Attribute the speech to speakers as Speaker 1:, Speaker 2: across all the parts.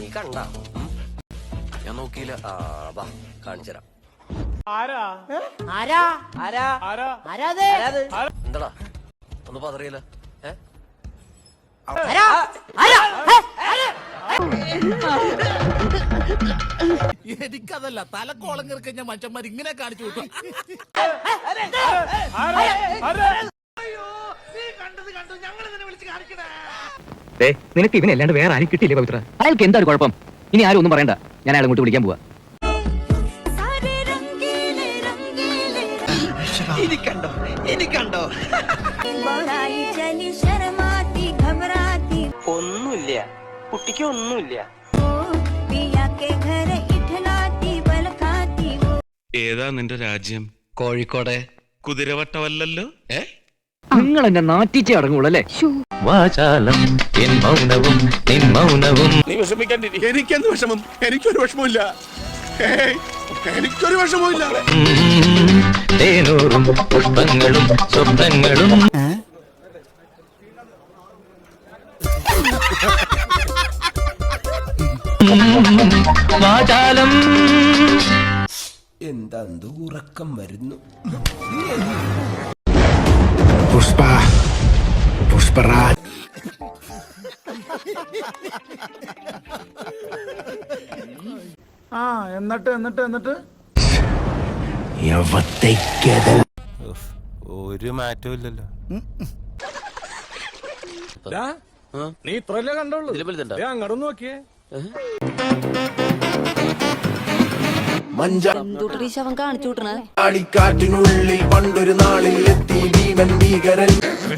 Speaker 1: നീ കണ്ട ഞാൻ നോക്കിയില്ല. വാ കാണിച്ചരാം. എന്താടാ ഒന്ന് പതറിയില്ല?
Speaker 2: എനിക്കതല്ല തലക്കോളം കിറക്കഞ്ഞ മനുഷ്യന്മാർ ഇങ്ങനെ കാണിച്ചു വിട്ടു.
Speaker 3: നിനക്ക് ഇവനല്ലാണ്ട് വേറെ ആരും കിട്ടിയില്ലേ പവിത്ര? അയാൾക്ക് എന്താണ് കുഴപ്പം? ഇനി ആരും ഒന്നും പറയണ്ട, ഞാൻ അയാളെ ഇങ്ങോട്ട് വിളിക്കാൻ പോവാ.
Speaker 1: ഒന്നുമില്ല കുട്ടിക്ക്, ഒന്നുമില്ല.
Speaker 4: ഏതാ നിന്റെ രാജ്യം?
Speaker 1: കോഴിക്കോടെ.
Speaker 4: കുതിരവട്ടമല്ലല്ലോ?
Speaker 3: നിങ്ങൾ എന്നെ നാട്ടിച്ചേ അടങ്ങുള്ളല്ലേ?
Speaker 2: നീ വിഷമിക്കാണ്ടിരി. എനിക്കെന്ത് വിഷമം? എനിക്കൊരു വിഷമമില്ല. എനിക്കൊരു വിഷമമില്ല.
Speaker 3: പുഷ്പങ്ങളും സ്വപ്നങ്ങളും വാചാലം.
Speaker 5: എന്താ ഉറക്കം വരുന്നു. പുഷ്പരാജ്
Speaker 2: എന്നിട്ട്
Speaker 5: ഒരു മാറ്റവും ഇല്ലല്ലോ.
Speaker 2: നീ ഇത്രല്ലേ കണ്ടോളൂ. അങ്ങോട്ട് നോക്കിയേ.
Speaker 6: ശവം കാണിച്ചു വിട്ടണ
Speaker 5: മഞ്ചാടിക്കാറ്റിനുള്ളിൽ പണ്ടൊരു നാളിൽ എത്തി ഭീമൻ ഭീകരൻ.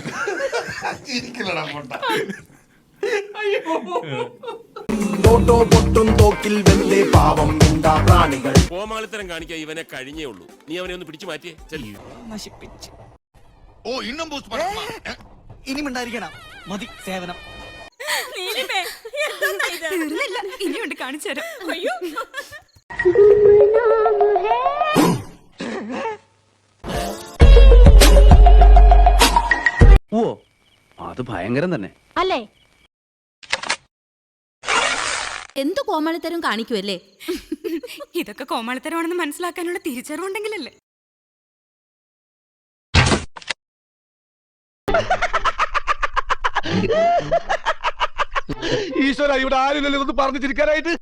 Speaker 5: തോട്ടോ പൊട്ടും തോക്കിൽ വെന്തേ പാവം എന്താ പ്രാണികൾ.
Speaker 4: കോമാളിത്തരം കാണിക്കാൻ ഇവനെ കഴിഞ്ഞേ ഉള്ളൂ. നീ അവനെ ഒന്ന് പിടിച്ചു മാറ്റിയേ.
Speaker 2: നശിപ്പിച്ച്. ഓ ഇന്നും ഇനിമുണ്ടായിരിക്കണം. മതി സേവനം.
Speaker 6: ഇനിയുണ്ട് കാണിച്ചു തരാം. അയ്യോ
Speaker 3: ഓ അത് ഭയങ്കരം തന്നെ
Speaker 6: അല്ലേ? എന്ത് കോമാളിത്തരം കാണിക്കുമല്ലേ?
Speaker 7: ഇതൊക്കെ കോമാളിത്തരമാണെന്ന് മനസ്സിലാക്കാനുള്ള തിരിച്ചറിവുണ്ടെങ്കിലല്ലേ.
Speaker 2: ഈശ്വര, ഇവിടെ ആരില്ലല്ലോ ഇതൊന്ന് പറഞ്ഞു ചിരിക്കാനായിട്ട്.